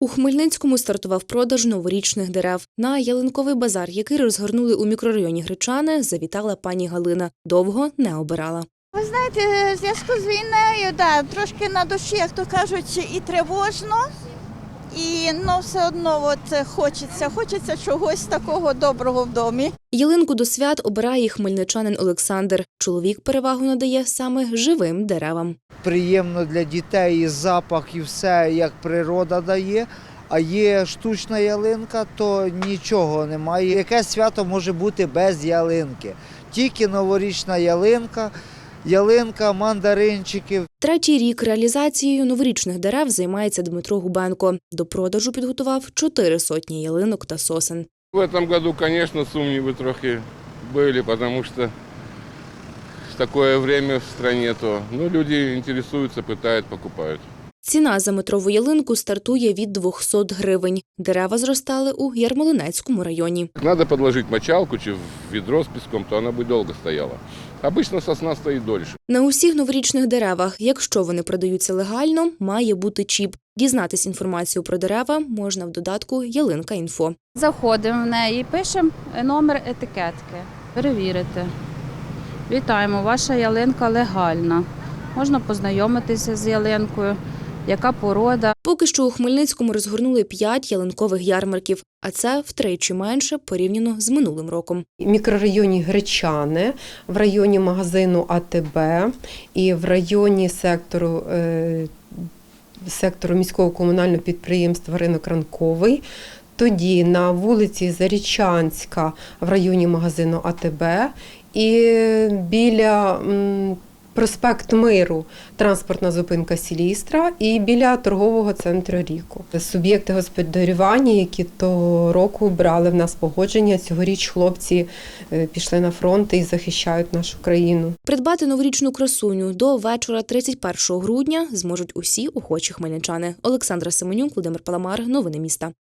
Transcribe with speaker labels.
Speaker 1: У Хмельницькому стартував продаж новорічних дерев. На ялинковий базар, який розгорнули у мікрорайоні Гречани, завітала пані Галина. Довго не обирала.
Speaker 2: Ви знаєте, в зв'язку з війною, трошки на душі, як то кажуть, і тривожно, і все одно хочеться чогось такого доброго в домі.
Speaker 1: Ялинку до свят обирає і хмельничанин Олександр. Чоловік перевагу надає саме живим деревам.
Speaker 3: Приємно для дітей і запах, і все, як природа дає. А є штучна ялинка, то нічого немає. Яке свято може бути без ялинки? Тільки новорічна ялинка, мандаринчики.
Speaker 1: Третій рік реалізацією новорічних дерев займається Дмитро Губенко. До продажу підготував 400 ялинок та сосен.
Speaker 4: В этом году, конечно, сумнівы трохи были, потому что такое время в стране, люди интересуются, пытают, покупают.
Speaker 1: Ціна за метрову ялинку стартує від 200 гривень. Дерева зростали у Ярмолинецькому районі.
Speaker 4: Надо подложить мочалку чи в відро з піском, то вона би довго стояла. Обично сосна стоїть дольше.
Speaker 1: На усіх новорічних деревах, якщо вони продаються легально, має бути чіп. Дізнатись інформацію про дерева можна в додатку «Ялинка.Інфо».
Speaker 5: Заходимо в неї і пишемо номер етикетки. Перевірити. Вітаємо, ваша ялинка легальна. Можна познайомитися з ялинкою. Яка порода?
Speaker 1: Поки що у Хмельницькому розгорнули 5 ялинкових ярмарків, а це втричі менше порівняно з минулим роком.
Speaker 6: В мікрорайоні Гречани, в районі магазину АТБ і в районі сектору міського комунального підприємства «Ринок Ранковий». Тоді на вулиці Зарічанська в районі магазину АТБ і біля проспект Миру, транспортна зупинка Сілістра і біля торгового центру Ріку. Суб'єкти господарювання, які того року брали в нас погодження, цьогоріч хлопці пішли на фронт і захищають нашу країну.
Speaker 1: Придбати новорічну красуню до вечора 31 грудня зможуть усі охочі хмельничани. Олександра Семенюк, Володимир Паламар. Новини міста.